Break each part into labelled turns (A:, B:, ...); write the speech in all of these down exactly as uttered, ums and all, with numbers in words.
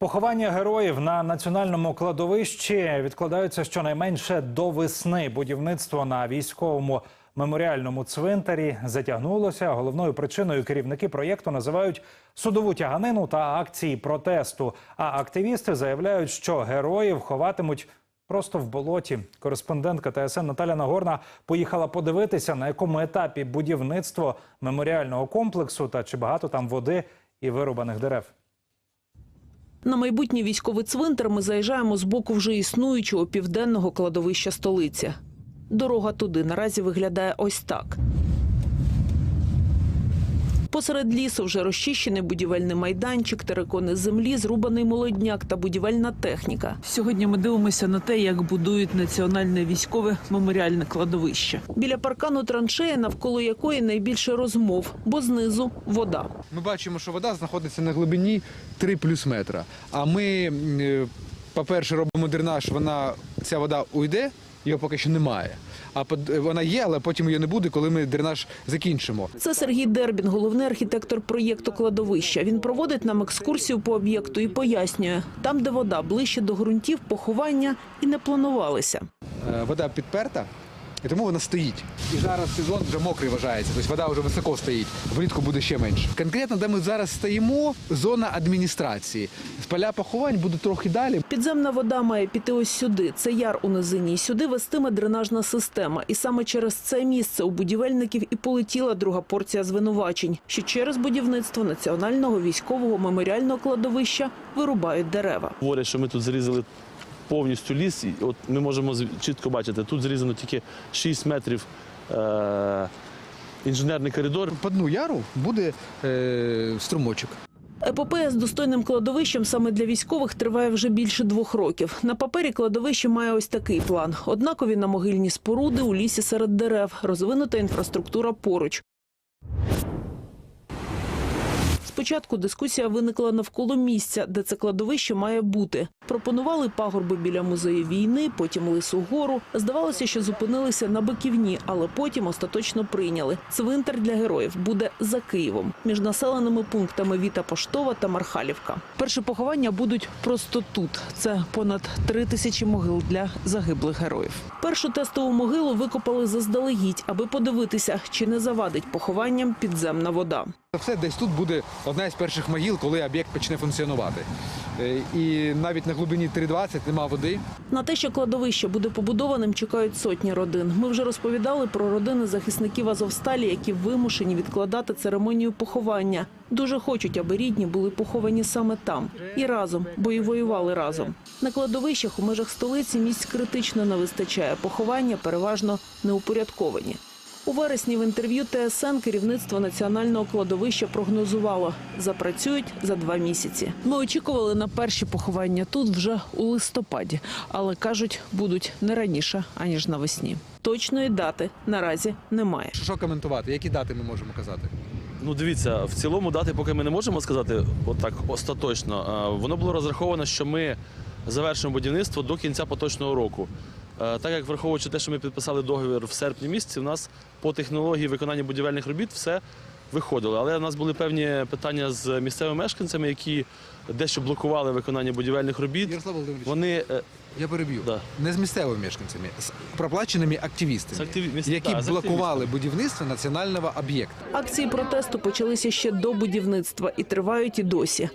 A: Поховання героїв на національному кладовищі відкладаються щонайменше до весни. Будівництво на військовому меморіальному цвинтарі затягнулося. Головною причиною керівники проєкту називають судову тяганину та акції протесту. А активісти заявляють, що героїв ховатимуть просто в болоті. Кореспондентка Т С Н Наталя Нагорна поїхала подивитися, на якому етапі будівництво меморіального комплексу та чи багато там води і вирубаних дерев.
B: На майбутній військовий цвинтар ми заїжджаємо з боку вже існуючого південного кладовища столиці. Дорога туди наразі виглядає ось так. Посеред лісу вже розчищений будівельний майданчик, терикони землі, зрубаний молодняк та будівельна техніка. Сьогодні ми дивимося на те, як будують національне військове меморіальне кладовище. Біля паркану траншея, навколо якої найбільше розмов, бо знизу – вода.
C: Ми бачимо, що вода знаходиться на глибині три плюс метра. А ми, по-перше, робимо дренаж, вона, ця вода уйде, його поки що немає. А вона є, але потім її не буде, коли ми дренаж закінчимо.
B: Це Сергій Дербін, головний архітектор проєкту кладовища. Він проводить нам екскурсію по об'єкту і пояснює, там, де вода ближче до ґрунтів, поховання і не планувалися.
C: Вода підперта, і тому вона стоїть. І зараз сезон вже мокрий вважається, тобто вода вже високо стоїть, влітку буде ще менше. Конкретно, де ми зараз стоїмо, зона адміністрації. Поля поховань будуть трохи далі.
B: Підземна вода має піти ось сюди. Це яр у низині. І сюди вестиме дренажна система. І саме через це місце у будівельників і полетіла друга порція звинувачень, що через будівництво національного військового меморіального кладовища вирубають дерева.
D: Говорять, що ми тут зрізали повністю ліс. І от ми можемо чітко бачити, тут зрізано тільки шість метрів е- інженерний коридор.
C: По дну яру буде е- струмочок.
B: Епопея з достойним кладовищем саме для військових триває вже більше двох років. На папері кладовище має ось такий план. Однакові намогильні споруди у лісі серед дерев, розвинута інфраструктура поруч. Спочатку дискусія виникла навколо місця, де це кладовище має бути. Пропонували пагорби біля музею війни, потім Лису гору. Здавалося, що зупинилися на Биківні, але потім остаточно прийняли. Цвинтар для героїв буде за Києвом, між населеними пунктами Віта Поштова та Мархалівка. Перші поховання будуть просто тут. Це понад три тисячі могил для загиблих героїв. Першу тестову могилу викопали заздалегідь, аби подивитися, чи не завадить похованням підземна вода.
C: Все десь тут буде одна із перших могил, коли об'єкт почне функціонувати. І навіть на глибині три двадцять нема води.
B: На те, що кладовище буде побудованим, чекають сотні родин. Ми вже розповідали про родини захисників Азовсталі, які вимушені відкладати церемонію поховання. Дуже хочуть, аби рідні були поховані саме там. І разом, бо і воювали разом. На кладовищах у межах столиці місць критично не вистачає. Поховання переважно неупорядковані. У вересні в інтерв'ю Т С Н керівництво національного кладовища прогнозувало – запрацюють за два місяці. Ми очікували на перші поховання тут вже у листопаді, але, кажуть, будуть не раніше, аніж навесні. Точної дати наразі немає.
C: Що коментувати? Які дати ми можемо казати?
D: Ну, дивіться, в цілому дати поки ми не можемо сказати отак остаточно. Воно було розраховано, що ми завершимо будівництво до кінця поточного року. Так як, враховуючи те, що ми підписали договір в серпні місяці, у нас по технології виконання будівельних робіт все виходило. Але у нас були певні питання з місцевими мешканцями, які дещо блокували виконання будівельних робіт.
C: Ярослав Володимирович,
D: Вони...
C: я переб'ю.
D: Да.
C: Не з місцевими мешканцями, з проплаченими активістами,
D: З активі...
C: які
D: да, з
C: блокували будівництво національного об'єкту.
B: Акції протесту почалися ще до будівництва і тривають і досі.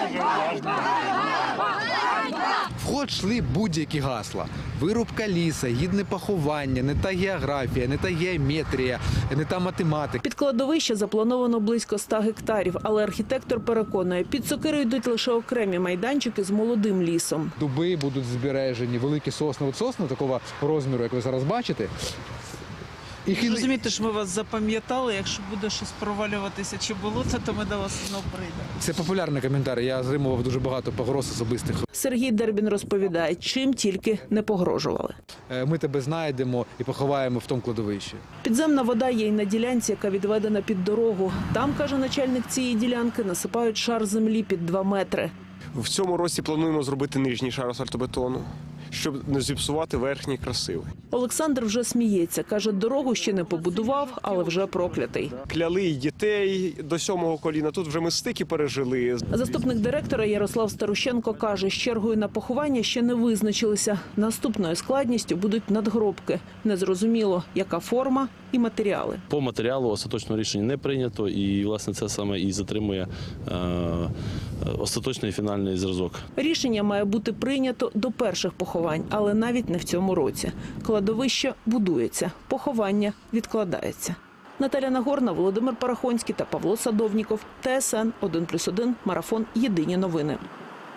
C: В ход йшли будь-які гасла. Вирубка ліса, гідне поховання, не та географія, не та геометрія, не та математика.
B: Під кладовище заплановано близько ста гектарів, але архітектор переконує, під сокиру йдуть лише окремі майданчики з молодим лісом.
C: Дуби будуть збережені, великі сосни, от сосни такого розміру, як ви зараз бачите.
E: І розумієте, що ми вас запам'ятали, якщо буде щось провалюватися чи болото, то ми до вас знову прийдемо.
C: Це популярний коментар, я отримував дуже багато погроз особистих.
B: Сергій Дербін розповідає, чим тільки не погрожували.
C: Ми тебе знайдемо і поховаємо в тому кладовищі.
B: Підземна вода є й на ділянці, яка відведена під дорогу. Там, каже начальник цієї ділянки, насипають шар землі під два метри.
F: В цьому році плануємо зробити нижній шар асфальтобетону, щоб не зіпсувати верхній красивий.
B: Олександр вже сміється. Каже, дорогу ще не побудував, але вже проклятий.
F: Кляли й дітей до сьомого коліна, тут вже ми стики пережили.
B: Заступник директора Ярослав Старущенко каже, з чергою на поховання ще не визначилися. Наступною складністю будуть надгробки. Незрозуміло, яка форма і матеріали.
D: По матеріалу остаточного рішення не прийнято, і власне це саме і затримує е, остаточний фінальний зразок.
B: Рішення має бути прийнято до перших поховань, але навіть не в цьому році. Кладовище будується, поховання відкладається. Наталя Нагорна, Володимир Парахонський та Павло Садовніков. Т С Н один плюс один. Марафон. Єдині новини.